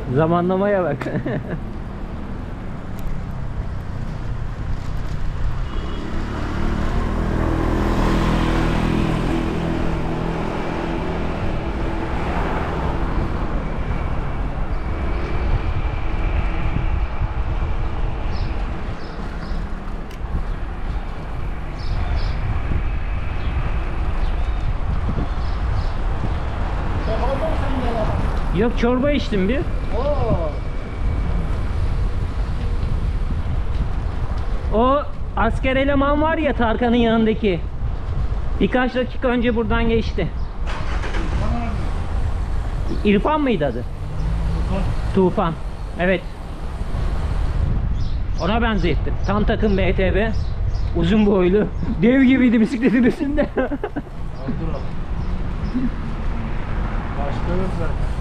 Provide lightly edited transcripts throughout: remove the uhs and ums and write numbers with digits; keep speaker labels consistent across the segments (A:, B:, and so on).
A: Zamanlamaya bak. Yok, çorba içtim bir.
B: Oo.
A: O asker eleman var ya Tarkan'ın yanındaki. Birkaç dakika önce buradan geçti. İrfan mıydı adı? Tufan. Evet. Ona benzettim. Tam takım BTB. Uzun boylu. Dev gibiydi bisikletin üstünde.
B: Başka yok zaten.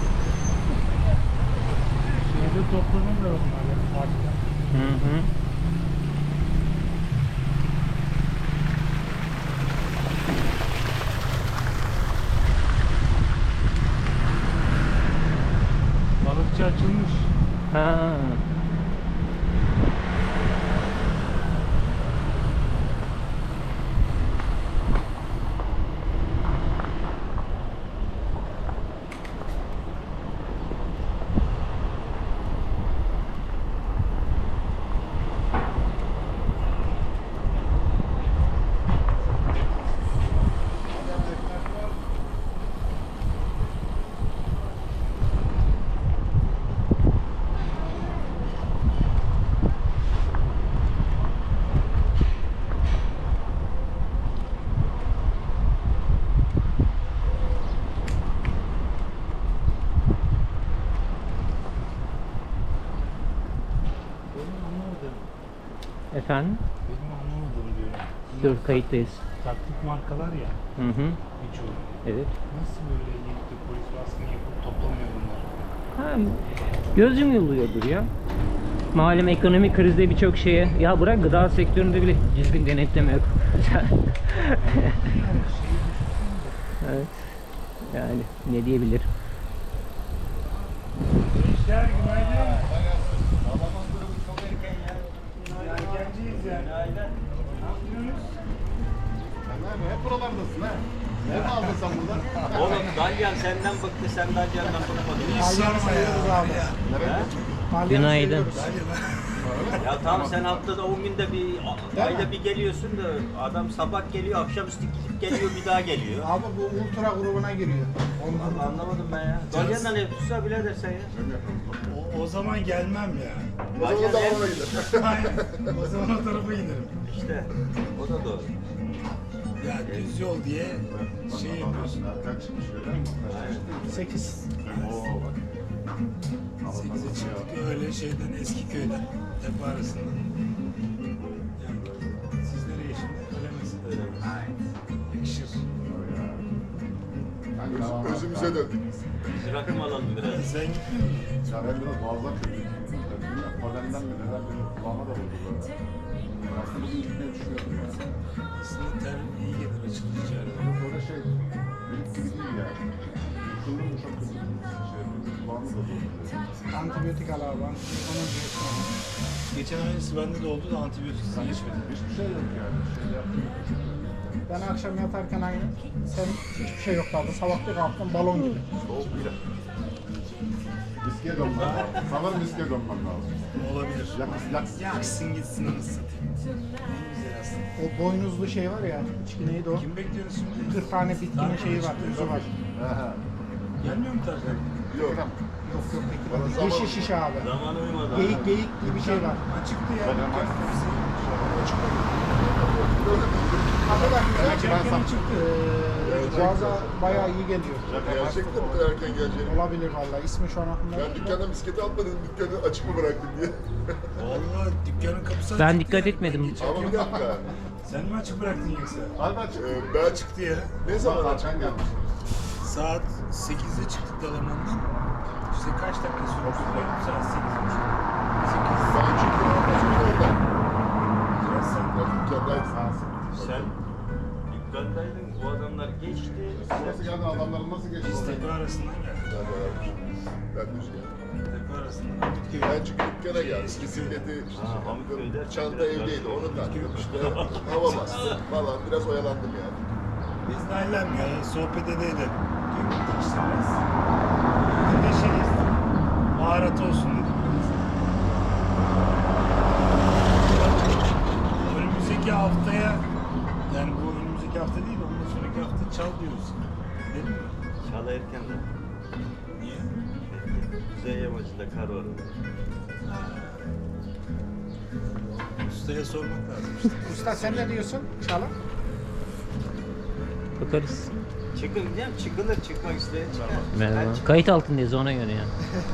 B: Şeyde topladım da onlar ya. Parkta.
A: Hı hı.
B: Balıkçı açılmış.
A: Ha.
B: Benim anlamadım.
A: Efendim?
B: Benim anlamadım diyorum.
A: Dur, kayıttayız.
B: Taktik markalar ya
A: Hı hı.
B: birçoğu.
A: Evet.
B: Nasıl böyle gelip de polis baskını yapıp toplamıyor bunlar?
A: Ha, göz yumuluyordur ya. Malum ekonomik krizde birçok şeye, ya bırak gıda sektöründe bile düzgün denetleme yok. Evet. Yani ne diyebilir?
B: Gençler günaydın. Babamın durumu çok erken ya. Erkenciyiz ya. Günaydın. Ne yapıyorsunuz?
C: Hep buralardasın ha. Ne aldın sen buradan?
D: Oğlum Dalyan senden bıktı, sen Dalyan'dan bıkmadın.
B: Hiç sorma ya.
C: Nereye?
A: Günaydın.
D: Ya tamam, sen haftada 10 günde bir, ayda bir geliyorsun da adam sabah geliyor, akşamüstü gidip geliyor, bir daha geliyor.
E: Abi bu ultra grubuna giriyor.
D: Vallahi anlamadım ben ya. Dalyan'dan ev tutsa birader sen ya.
B: O zaman gelmem ya.
C: O zaman da ona gider.
B: Aynen. O zaman o tarafa giderim.
D: İşte o da doğru.
B: Ya düz yol diye şey yapıyorsun.
C: Erken çıkmış öyle mi?
E: 8.
C: Oo bak.
B: 8'e çıktık öyle şeyden Eskiköy'den. Tepe arasından. Yani siz nereye şimdi? Öyle misin?
D: Öyle.
B: Yakışır.
C: Özümüze döndük.
D: Biz rakım alalım biraz.
B: Sen gitmiyor musun?
C: Ya ben biraz boğazdan kötüyüm. Polenden mi neden mi? Kulağıma da vurdu böyle. Aslında bugün gitmeyi düşünüyordum ya.
B: Aslında ter iyi gelir açılınca.
C: Yok böyle şey, benim gibi değil yani. Düşündüm bu çok kötü. Kulağımı da vurdu.
E: Antibiyotik al abi. Onun diyorsun.
B: Geçen aynısı bende de oldu da antibiyotiksiz geçmedi.
C: Hiçbir şey yok yani. Şey yaptım.
E: Ben akşam yatarken aynı. Sen hiçbir şey yok kaldı. Sabah bir kalktın balon gibi.
C: Soğuk bile. Viskiye dönmem lazım. Sanırım viskiye dönmem lazım.
B: Olabilir.
C: Yaks.
B: Yaksın gitsin anasını satayım. En güzel aslında.
E: O boynuzlu şey var ya. İçki neydi o?
B: Kim bekliyorsun şimdi?
E: 40 tane bitkinin şeyi var. Özü var.
C: Aha.
B: Gelmiyor mu Tarkan?
C: Yok.
E: Yok yok
C: Bana
E: peki.
C: zaman-
E: Yeşil şişe abi.
D: Zaman uymadı.
E: Geyik geyik gibi bir şey var.
B: Açıktı ya.
C: Ben hemen-
E: Hakikaten güzel.
C: Belki ben
E: Erken çıktı. Boğaza bayağı iyi geliyor.
C: Gerçekten bu kadar erken geleceğini.
E: Olabilir vallahi. İsmi şu an aklımda.
C: Ben dükkandan bisikleti almadım, dükkanı açık mı bıraktım diye.
B: Vallahi dükkanın kapısı açıktı.
A: Ben dikkat etmedim.
C: Ama bir dakika.
B: Sen mi açık bıraktın yoksa?
C: Harbi açık.
B: Ben açıktı ya.
C: Ne zaman açık gelmiş?
B: Saat 8'de çıktık Dalaman'dan. İşte kaç dakika sürdü? Saat 8:30. 8.
C: Ben çünkü açık orada.
B: Biraz sen
C: Ben dükkandaydım.
D: Sen dükkandaydın, bu adam onlar geçti.
C: Nasıl geldin? Adamların nasıl geçti?
B: Biz tepe arasından geldik.
C: Ben düz geldim.
B: Tepe arasından Hamitköy.
C: Ben çıkıp dükkana geldim. Bisikleti işte
D: Hamitköy'de
C: çanta evdeydi. Onu taktım işte. Hava bastım falan. Biraz oyalandım yani.
B: Biz Nail'le ya sohbet edelim. Dün gittik işte biraz. Bugün de şey baharat olsun dedik. Önümüzdeki haftaya yani bu önümüzdeki hafta değil ondan sonraki hafta çal diyoruz. Değil mi?
D: Çala erken de.
B: Niye?
D: Kuzey yamacında kar var.
B: Ustaya sormak lazım işte.
E: Usta sen ne diyorsun? Çalın.
A: Bakarız.
D: Çıkın diyeyim, çıkılır, çıkmak isteyen çıkar.
A: Merhaba.
D: Ben çık-
A: Kayıt altındayız ona göre ya.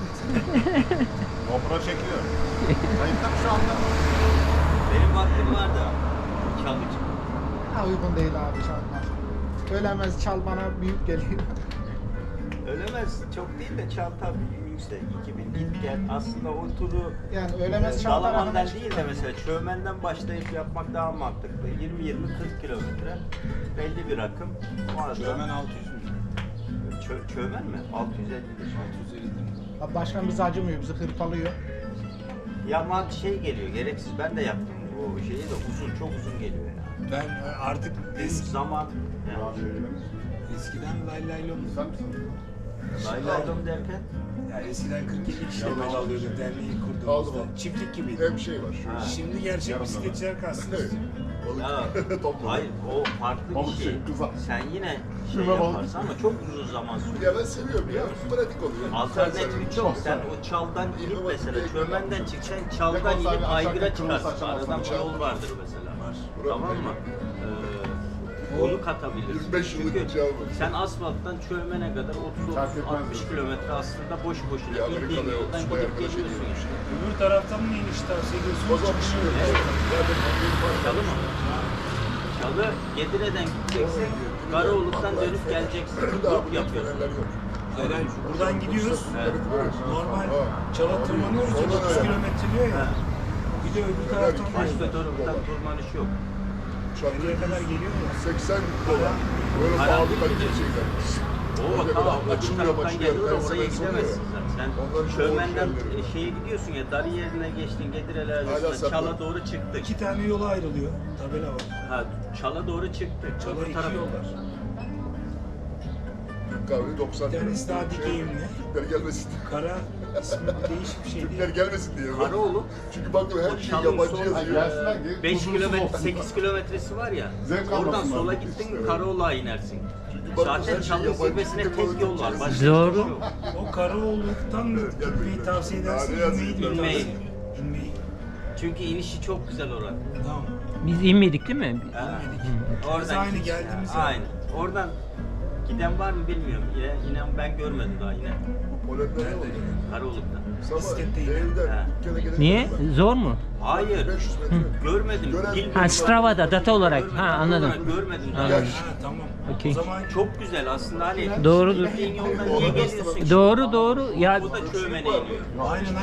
C: GoPro çekiyor. Kayıtta mı şu anda?
D: Benim vaktim var da. Çalgıcı.
E: Ha, uygun değil abi çalmak. Ölemez çal bana büyük geliyor.
D: Ölemez, çok değil de çal tabii yüksek. 2000 git gel. Aslında o turu
E: Yani ölemez çal
D: Dalaman'dan
E: tarafına
D: değil de mesela Çömen'den başlayıp yapmak daha mantıklı. 20-20-40 kilometre belli bir rakım. O arada
B: Hemen 600 mü?
D: Çömen mi? 650'dir.
B: 650'dir.
E: Abi başkan bizi acımıyor, bizi hırpalıyor.
D: Yaman şey geliyor, gereksiz. Ben de yaptım o şeyi de uzun, çok uzun geliyor yani.
B: Ben artık
D: Zaman, yani,
B: eskiden lay lay lom.
C: Sen misin?
D: laylaylom derken,
B: Yani eskiden 47 kişi yol alıyorduk derneği
C: Aldım,
B: kurduğumuzda.
C: aldım.
B: Çiftlik gibiydi.
C: Hem şey var.
D: Ha.
B: Şimdi gerçek
C: Yarım
B: bisikletçiler kastınız.
C: Evet.
D: ya,
C: Topladım.
D: hayır o farklı bir
C: Balık
D: şey.
C: şey, kıza.
D: Sen yine şey
C: Kıza balık.
D: yaparsın ama çok uzun zaman sürüyor.
C: Ya ben seviyorum ya. Pratik oluyor.
D: Alternatifi çok. Sen o çaldan girip mesela Çömen'den çıksan çaldan inip aygıra çıkarsın. Aradan bir yol vardır mesela. Tamam mı? Onu katabilirsin.
C: 25 yıllık
D: Çünkü
C: bir çal bu.
D: sen asfalttan Çömen'e kadar 30-60 kilometre aslında boş boşuna
C: Ya
D: bildiğin
C: Amerika'da
D: yoldan
C: subay
D: gidip
C: arkadaş
D: geliyorsun
C: ediyorum
D: işte.
C: işte.
B: Öbür taraftan mı iniş tavsiye
C: O
B: ediyorsunuz?
C: zaman
B: Çıkış mı?
D: Çalı mı? Çalı Gedire'den gideceksin, Karaoğluk'tan dönüp geleceksin. Grup yapıyorsun.
B: Hayır, hayır. Buradan gidiyoruz.
D: Evet.
B: Normal çala tırmanıyoruz. 30 kilometre diyor ya. Bir de öbür taraftan
D: Başka taraftan tırmanış yok.
B: nereye kadar geliyor ya.
C: 80 dolar. Böyle
D: Karanlık
C: pahalı
D: bir
C: kaliteli
D: de-
C: şeyler.
D: O
C: Öyle
D: tamam,
C: böyle
D: öbür
C: açılmıyor,
D: taraftan
C: başlıyor.
D: geliyor da
C: Ben
D: oraya
C: sana
D: gidemezsin
C: soruyorum.
D: sen.
C: Onların
D: Sen
C: çoğu
D: Çömen'den
C: şeyleri.
D: şeye gidiyorsun ya, Darı yerine geçtin, Gedire'ler
C: Hala
D: arasında
C: sapıyor.
D: Çal'a doğru çıktık.
B: 2 tane yola ayrılıyor. Tabela var.
D: Ha, Çal'a doğru çıktık.
B: Çala
D: Öbür
B: 2
D: taraf-
B: yol var.
C: Kahve 90
B: Bir tanesi daha dikeyimli.
C: Türkler gelmesin.
B: Kara ismi değişik bir şey
C: Türkler
B: değil.
C: gelmesin diye.
D: Karaoğluk.
C: Çünkü bakın her şey
D: Çal'ın
C: yabancı
D: son
C: yazıyor.
D: 5 kilometre, 8 kilometresi var ya.
C: Zevk
D: Oradan
C: almasınlar
D: sola
C: işte,
D: gittin,
C: evet.
D: Karaoğlu'ğa inersin.
C: bak,
D: Zaten
C: her şey
D: Çal'ın
C: yabancı
D: zirvesine
C: bir
D: tek yol var.
C: teknoloji.
D: Başka
A: Doğru.
D: hiçbir şey yok.
B: O Karaoğluk'tan mı gitmeyi tavsiye edersin?
C: Daha ne
B: İnmeyi mi?
D: İnmeyi.
B: İnmeyi.
D: Çünkü inişi çok güzel oranın.
B: Tamam.
A: Biz inmedik değil mi?
D: Ha.
B: Biz
D: Oradan
B: aynı
D: git-
B: geldiğimiz yer.
D: Aynı. Oradan giden var mı bilmiyorum. İnan ben görmedim daha yine.
C: Polenler ne oluyor?
D: Karaoğluk'ta.
C: Sabah
B: Bisikletteyim.
C: evden
D: Ha.
C: dükkana gelene
A: Niye?
C: kadar
A: Zor mu?
D: Hayır.
C: 500 metre.
D: Görmedim.
C: Gören-
D: Bilmiyorum.
A: Ha, Strava'da, data olarak.
D: Görmedim,
A: Ha,
D: data
A: anladım.
D: olarak Görmedim daha.
A: Anladım.
B: Ha tamam.
A: Okey.
B: O zaman
D: Çok güzel aslında hani.
A: Doğrudur.
D: Gittiğin yoldan niye geliyorsun?
A: Doğru doğru. Ya
D: Bu da Çömen'e iniyor.
B: aynen